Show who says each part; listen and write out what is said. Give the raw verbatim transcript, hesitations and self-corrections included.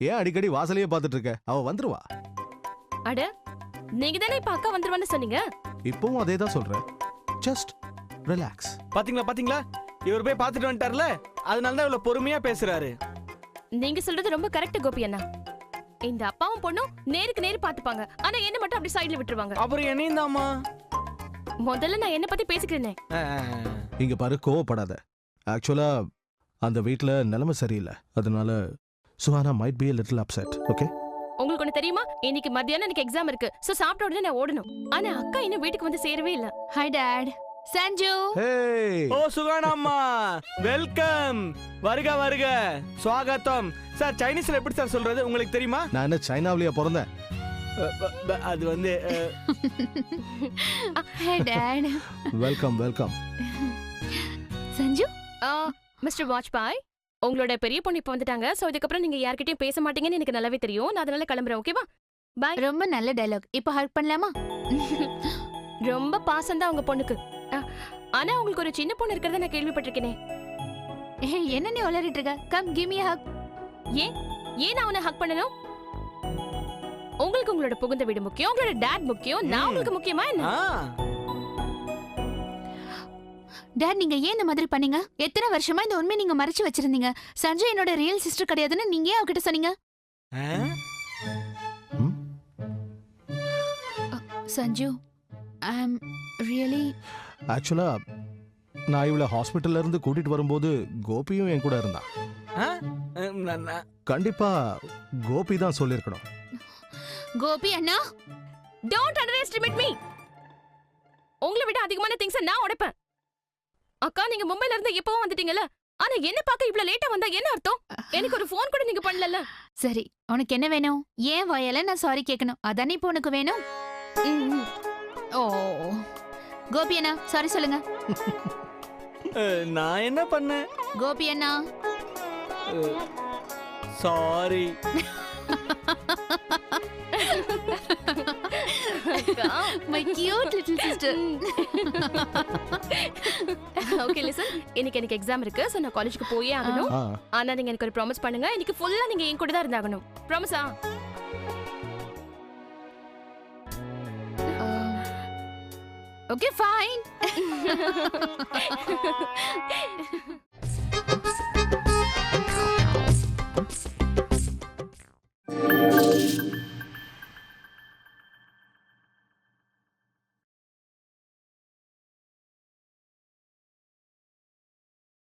Speaker 1: ஏன் அடிக்கடி வாசலையே பார்த்துட்டு இருக்க? அவ வந்துருவா.
Speaker 2: அட நீங்க தானே இப்ப அக்கா வந்துருவான்னு சொன்னீங்க.
Speaker 1: இப்பவும் அதே தான் சொல்றேன். Just relax.
Speaker 3: பாத்தீங்களா பாத்தீங்களா இவர் போய் பார்த்துட்டு வந்துட்டார்ல, அதனால தான் இவ்வளவு பொறுமையா பேசுறாரு.
Speaker 2: நீங்க சொல்றது ரொம்ப கரெக்ட் கோபி அண்ணா. இந்த அப்பாவும் பொண்ணும் நேருக்கு நேரு பாத்துப்பாங்க, ஆனா என்ன மட்டும் அப்படி சைடுல விட்டுருவாங்க.
Speaker 3: அப்புறம் என்னையும் தாமா.
Speaker 2: முதல்ல நான் என்ன பத்தி பேசிக்கிறேனே.
Speaker 1: இங்க பாரு, கோவப்படாத. ஆக்சுவலா அந்த வீட்ல நிலைமை சரியில்லை, அதனால Suhana might be a little upset. Okay?
Speaker 2: உங்களுக்கு ஒண்ணு தெரியுமா, இன்னைக்கு மத்தியானம் எனக்கு எக்ஸாம் இருக்கு. சோ சாப்பிட்ட உடனே நான் ஓடணும். ஆனா அக்கா இன்னும் வீட்டுக்கு வந்து சேரவே இல்ல. Hi dad. Sanju.
Speaker 1: Hey.
Speaker 3: Oh Suhana அம்மா, வெல்கம். வருக வருக, ஸ்வாகத்தம். சார் சைனீஸ்ல எப்படி சார் சொல்றது உங்களுக்கு தெரியுமா?
Speaker 1: நான் என்ன சைனாவிலேயே பிறந்தேன்?
Speaker 3: அது வந்து
Speaker 2: hey dad.
Speaker 1: Welcome welcome.
Speaker 2: Sanju, mister Vajpayee, உங்களோட பெரிய பொண்ணு இப்ப வந்துட்டாங்க. சோ இதுக்கப்புறம் நீங்க யார்கிட்டயும் பேச மாட்டீங்கன்னு எனக்கு நல்லாவே தெரியும். நான் அதனால கிளம்புறேன். ஓகேவா? பை.
Speaker 4: ரொம்ப நல்ல டயலாக். இப்போ ஹக் பண்ணலாமா?
Speaker 2: ரொம்ப பாசம் தான் உங்க பொண்ணுக்கு. ஆனா உங்களுக்கு ஒரு சின்ன பொண்ணு இருக்கறத நான் கேள்விப்பட்டிருக்கேனே.
Speaker 4: என்ன நீ உளறிட்டு இருக்க? Come give me a hug.
Speaker 2: ஏன் ஏன் நான் உன்னை ஹக் பண்ணணும்? உங்களுக்கு உங்களோட புகுந்த வீடு முக்கியம், உங்களோட டாட் முக்கியம். நான் உங்களுக்கு முக்கியமா என்ன?
Speaker 4: டாட், நீங்க ஏன் இந்த மாதிரி பண்ணீங்க? எத்தனை வருஷமா இந்த உண்மை நீங்க மறைச்சு வச்சிருந்தீங்க? சஞ்சய் என்னோட ரியல் சிஸ்டர் கிடையாதுன்னு நீங்க ஏன் அவகிட்ட சொன்னீங்க? சஞ்சு, ஐ அம் ரியலி
Speaker 1: ஆக்சுவலா நான் இவளை ஹாஸ்பிட்டல்ல இருந்து கூட்டிட்டு வரும்போது கோபியும் என் கூட இருந்தான். கண்டிப்பா கோபி தான் சொல்லிருக்கணும்.
Speaker 4: கோபி அண்ணா,
Speaker 2: டோன்ட் அண்டர்எஸ்டிமேட் மீ. உங்களை விட அதிகமான திங்ஸ் நான் உடைப்பேன். அக்கா, நீங்க மும்பைல இருந்து எப்பவும் வந்துட்டீங்கல, ஆனா என்ன பார்க்க இவ்வளவு லேட்டா வந்தா என்ன அர்த்தம்? எனக்கு ஒரு ஃபோன் கூட நீங்க பண்ணலல.
Speaker 4: சரி, உனக்கு என்ன வேணும்? ஏன் வாயால நான் சாரி கேட்கணும்? அதானே இப்போ உனக்கு வேணும். ஓ கோபி அண்ணா, சாரி சொல்லுங்க.
Speaker 3: நான் என்ன பண்ணேன்?
Speaker 4: கோபி அண்ணா
Speaker 3: sorry.
Speaker 4: my cute little sister.
Speaker 2: Okay listen, இன்னைக்கு எனக்கு எக்ஸாம் இருக்கு. சோ நான் காலேஜுக்கு போயே ஆகணும். ஆனா நீங்க எனக்கு ஒரு ப்ராமிஸ் பண்ணுங்க, இன்னைக்கு ஃபுல்லா நீங்க என் கூட தான் இருந்தாகணும். ப்ராமிஸா?
Speaker 4: Okay, fine.